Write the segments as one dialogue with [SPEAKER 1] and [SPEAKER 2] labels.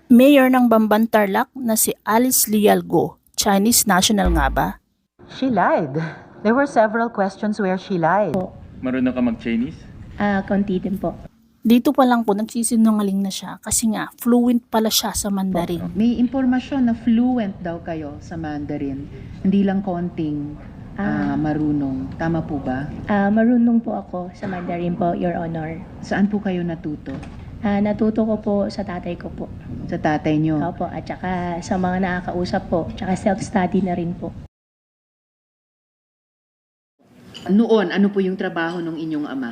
[SPEAKER 1] Mayor ng Bamban Tarlac na si Alice Lial Go, Chinese national nga ba?
[SPEAKER 2] She lied. There were several questions where she lied.
[SPEAKER 3] Marunong ka mag-Chinese?
[SPEAKER 4] Konti din po.
[SPEAKER 1] Dito pa lang po nagsisinungaling na siya kasi nga fluent pala siya sa Mandarin.
[SPEAKER 2] May impormasyon na fluent daw kayo sa Mandarin. Hindi lang konting marunong. Tama po ba?
[SPEAKER 4] Marunong po ako sa Mandarin po, Your Honor.
[SPEAKER 2] Saan po kayo natuto?
[SPEAKER 4] Natuto ko po sa tatay ko po.
[SPEAKER 2] Sa tatay nyo?
[SPEAKER 4] Opo, at saka sa mga nakakausap po, tsaka self-study na rin po.
[SPEAKER 2] Noon, ano po yung trabaho ng inyong ama?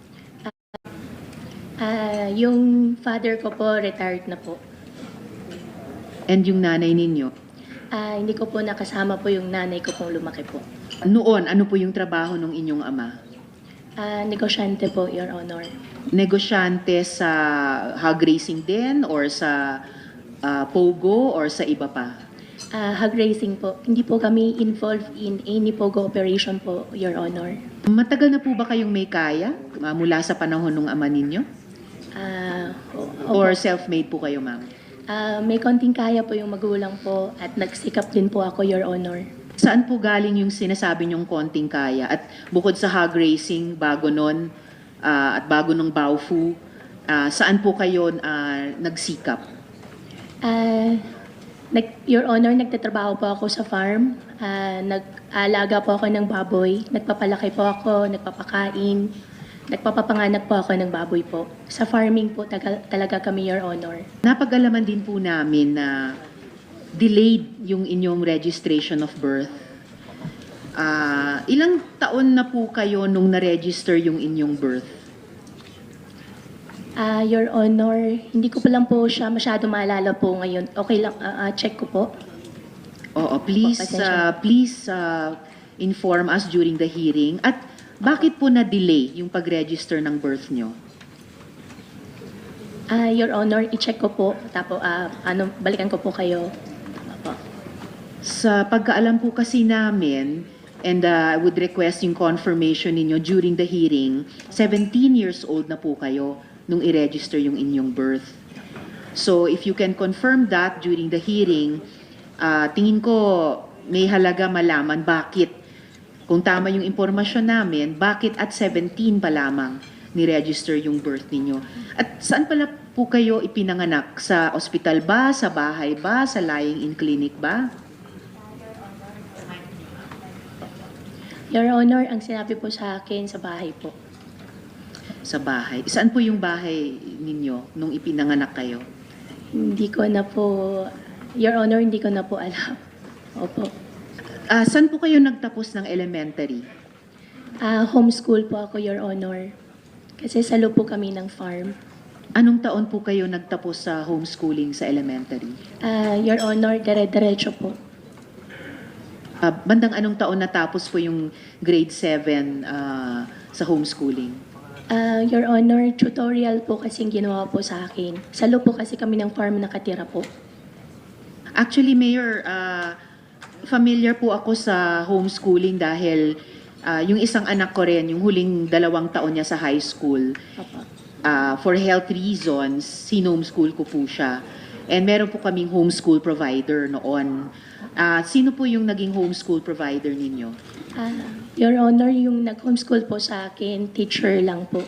[SPEAKER 4] Yung father ko po, retired na po.
[SPEAKER 2] And yung nanay ninyo?
[SPEAKER 4] Hindi ko po nakasama po yung nanay ko pong lumaki po.
[SPEAKER 2] Noon, ano po yung trabaho ng inyong ama?
[SPEAKER 4] Negosyante po, Your Honor.
[SPEAKER 2] Negosyante sa hog racing din or sa pogo or sa iba pa?
[SPEAKER 4] Hog racing po. Hindi po kami involved in any pogo operation po, Your Honor.
[SPEAKER 2] Matagal na po ba kayong may kaya mula sa panahon ng ama ninyo?
[SPEAKER 4] Opo.
[SPEAKER 2] Or self-made po kayo, ma'am?
[SPEAKER 4] May konting kaya po yung magulang po at nagsikap din po ako, Your Honor.
[SPEAKER 2] Saan po galing yung sinasabi niyong konting kaya? At bukod sa hog racing, bago nun, at bago ng Baofu, saan po kayo nagsikap?
[SPEAKER 4] Your Honor, nagtatrabaho po ako sa farm. Nag-aalaga po ako ng baboy. Nagpapalaki po ako, nagpapakain. Nagpapapanganak po ako ng baboy po. Sa farming po talaga kami, Your Honor.
[SPEAKER 2] Napag-alaman din po namin na delayed yung inyong registration of birth. Ilang taon na po kayo nung na-register yung inyong birth?
[SPEAKER 4] Your Honor, hindi ko pa lang po siya masyado maalala po ngayon. Okay lang, check ko po.
[SPEAKER 2] Oo, please inform us during the hearing. At bakit po na-delay yung pag-register ng birth nyo?
[SPEAKER 4] Your Honor, i-check ko po. Tapos, balikan ko po kayo. Opo.
[SPEAKER 2] Sa pagkaalam po kasi namin, and I would request yung confirmation ninyo during the hearing, 17 years old na po kayo nung i-register yung inyong birth. So if you can confirm that during the hearing, tingin ko may halaga malaman bakit, kung tama yung impormasyon namin, bakit at 17 pa lamang ni-register yung birth ninyo. At saan pala po kayo ipinanganak? Sa ospital ba? Sa bahay ba? Sa lying-in clinic ba?
[SPEAKER 4] Your Honor, ang sinabi po sa akin sa bahay po.
[SPEAKER 2] Sa bahay. Saan po yung bahay ninyo nung ipinanganak kayo?
[SPEAKER 4] Hindi ko na po, Your Honor, hindi ko na po alam. Opo.
[SPEAKER 2] Saan po kayo nagtapos ng elementary?
[SPEAKER 4] Homeschool po ako, Your Honor. Kasi salo po kami ng farm.
[SPEAKER 2] Anong taon po kayo nagtapos sa homeschooling sa elementary?
[SPEAKER 4] Your Honor, dire-diretso po.
[SPEAKER 2] Bandang anong taon natapos po yung grade 7 sa homeschooling?
[SPEAKER 4] Your Honor, tutorial po kasing ginawa po sa akin. Salo po kasi kami ng farm nakatira po.
[SPEAKER 2] Actually, Mayor, familiar po ako sa homeschooling dahil yung isang anak ko rin, yung huling 2 taon niya sa high school,
[SPEAKER 4] Opo.
[SPEAKER 2] for health reasons, sinomeschool ko po siya. And meron po kaming homeschool provider noon. Sino po yung naging homeschool provider ninyo?
[SPEAKER 4] Your Honor, yung nag-homeschool po sa akin, teacher lang po.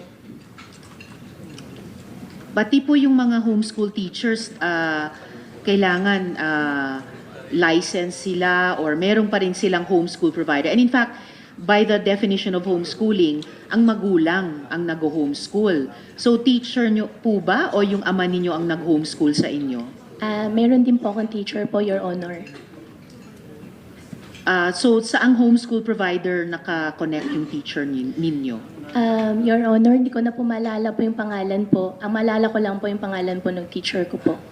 [SPEAKER 2] Pati po yung mga homeschool teachers, kailangan license sila or meron pa rin silang homeschool provider. And in fact, by the definition of homeschooling, ang magulang ang nag-homeschool. So teacher nyo po ba o yung ama ninyo ang nag-homeschool sa inyo?
[SPEAKER 4] Meron din po akong teacher po, Your Honor.
[SPEAKER 2] So saang homeschool provider naka-connect yung teacher ninyo?
[SPEAKER 4] Your Honor, hindi ko na po maalala po yung pangalan po. Ang maalala ko lang po yung pangalan po ng teacher ko po.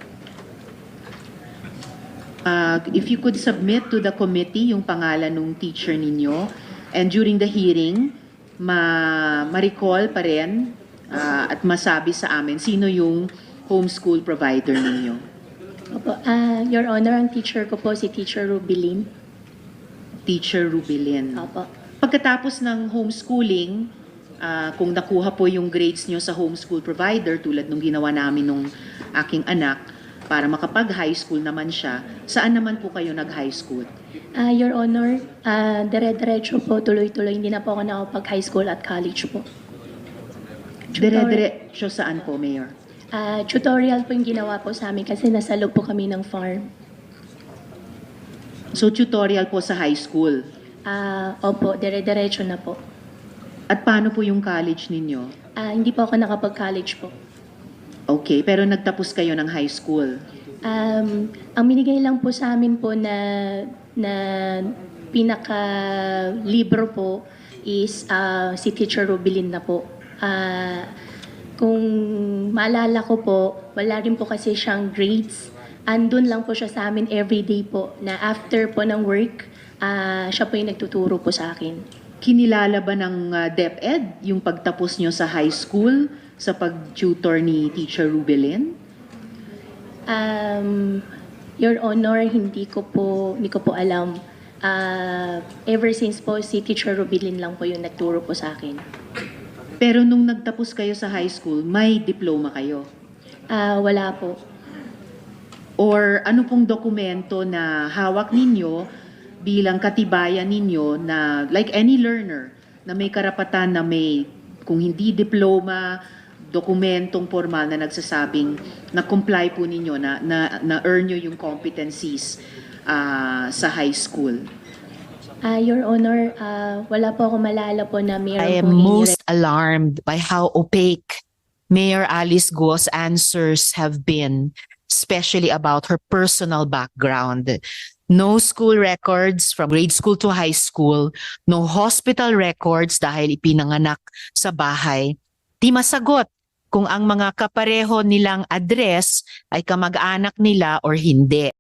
[SPEAKER 2] If you could submit to the committee yung pangalan ng teacher ninyo, and during the hearing, ma-recall pa rin at masabi sa amin sino yung homeschool provider ninyo.
[SPEAKER 4] Opo. Your Honor, ang teacher ko po si Teacher Rubilin.
[SPEAKER 2] Teacher Rubilin.
[SPEAKER 4] Opo.
[SPEAKER 2] Pagkatapos ng homeschooling, kung nakuha po yung grades nyo sa homeschool provider, tulad nung ginawa namin nung aking anak, para makapag-high school naman siya, saan naman po kayo nag-high school?
[SPEAKER 4] Your Honor, dire-diretso po, tuloy-tuloy. Hindi na po ako nakapag-high school at college po.
[SPEAKER 2] Dire-diretso saan po, Mayor?
[SPEAKER 4] Tutorial po yung ginawa po sa amin kasi nasa loob po kami ng farm.
[SPEAKER 2] So tutorial po sa high school.
[SPEAKER 4] Opo, dire-diretso na po.
[SPEAKER 2] At paano po yung college ninyo?
[SPEAKER 4] Hindi po ako nakapag-college po.
[SPEAKER 2] Okay, pero nagtapos kayo ng high school.
[SPEAKER 4] Ang binigay lang po sa amin po na pinaka-libro po is si Teacher Rubilin na po. Kung maalala ko po, wala rin po kasi siyang grades. Andun lang po siya sa amin everyday po na after po ng work, siya po yung nagtuturo po sa akin.
[SPEAKER 2] Kinilala ba ng DepEd yung pagtapos nyo sa high school sa pag-tutor ni Teacher Rubilin?
[SPEAKER 4] Your Honor, hindi ko po alam. Ever since po, si Teacher Rubilin lang po yung nagturo po sa akin.
[SPEAKER 2] Pero nung nagtapos kayo sa high school, may diploma kayo?
[SPEAKER 4] Wala po.
[SPEAKER 2] Or ano pong dokumento na hawak ninyo bilang katibayan ninyo na like any learner na may karapatan na may, kung hindi diploma, dokumentong formal na nagsasabing na comply po ninyo, na earn nyo yung competencies sa high school?
[SPEAKER 4] Your Honor, wala po ako malala po na meron
[SPEAKER 3] I am
[SPEAKER 4] pong
[SPEAKER 3] most alarmed by how opaque Mayor Alice Guo's answers have been, especially about her personal background. No school records from grade school to high school, no hospital records dahil ipinanganak sa bahay. Di masagot kung ang mga kapareho nilang address ay kamag-anak nila or hindi.